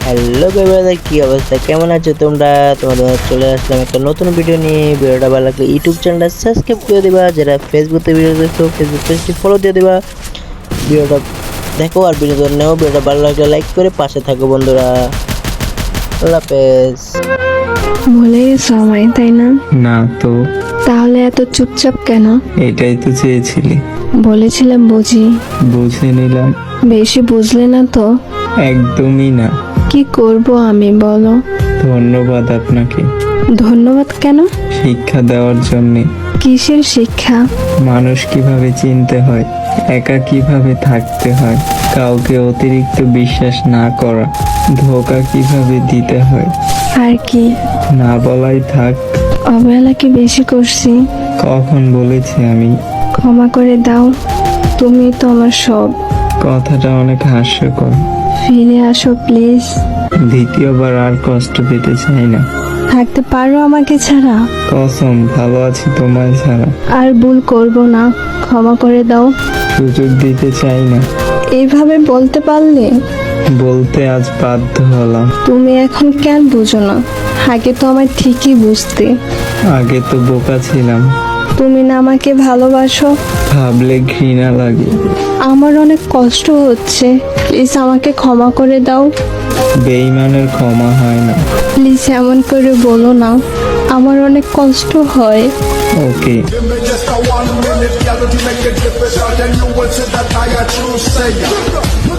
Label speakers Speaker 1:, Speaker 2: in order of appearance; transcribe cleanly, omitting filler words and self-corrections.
Speaker 1: Hello guys, কি অবস্থা, কেমন আছো তোমরা? তোমাদের চলে আসলাম একটা নতুন ভিডিও নিয়ে। ভিডিওটা ভালো লাগলে ইউটিউব চ্যানেলটা সাবস্ক্রাইব করে দিবা, যারা ফেসবুকে ভিডিও দেখছো ফেসবুক পেজটি ফলো দিয়ে দিবা। ভিডিওটা দেখো আর বিনোদন নেও। ভিডিওটা ভালো লাগলে লাইক করে পাশে থাকো বন্ধুরা। আল্লাহ হাফেজ।
Speaker 2: ভুলে গেছো আমায়, তাই না?
Speaker 3: না তো,
Speaker 2: তাহলে এত চুপচাপ কেন?
Speaker 3: এটাই তো চেয়েছিলি।
Speaker 2: বলেছিলাম বুঝি,
Speaker 3: বুঝে নিলাম।
Speaker 2: বেশি বুঝলে না তো।
Speaker 3: একদমই না।
Speaker 2: কি করব আমি বলো?
Speaker 3: ধন্যবাদ আপনাকে
Speaker 2: ধন্যবাদ কেন?
Speaker 3: শিক্ষা দেওয়ার জন্যে।
Speaker 2: কিসের শিক্ষা?
Speaker 3: মানুষ কিভাবে চিনতে হয়, একা কিভাবে থাকতে হয়, কাউকে অতিরিক্ত বিশ্বাস না করা, ধোঁকা কিভাবে দিতে হয়।
Speaker 2: আর কি?
Speaker 3: না বলাই থাক।
Speaker 2: অবহেলা কি বেশি করছি?
Speaker 3: কখন বলেছি আমি?
Speaker 2: ক্ষমা করে দাও, তুমি তো আমার সব।
Speaker 3: কথাটা অনেক হাস্যকর।
Speaker 2: ফিরে আসো প্লিজ।
Speaker 3: দ্বিতীয়বার আর কষ্ট পেতে চাই না।
Speaker 2: থাকতে পারো আমাকে ছাড়া?
Speaker 3: কসম, ভালো আছি তোমায় ছাড়া।
Speaker 2: আর ভুল করব না, ক্ষমা করে দাও।
Speaker 3: সুযোগ দিতে চাই না।
Speaker 2: এইভাবে বলতে পারলে?
Speaker 3: বলতে আজ বাধ্য হলাম।
Speaker 2: তুমি এখন কেন বুঝো না? আগে তো আমার ঠিকই বুঝতে।
Speaker 3: আগে তো বোকা ছিলাম।
Speaker 2: তুমি না আমাকে ভালোবাসো?
Speaker 3: ভাবলে ঘৃণা লাগে।
Speaker 2: আমার অনেক কষ্ট হচ্ছে, প্লিজ আমাকে ক্ষমা করে দাও।
Speaker 3: বেঈমানের ক্ষমা হয় না।
Speaker 2: প্লিজ এমন করে বলো না, আমার অনেক কষ্ট হয়।
Speaker 3: ওকে।
Speaker 4: Give me just a 1 minute, girl, to make it difficult, and you will see that I a true sayer.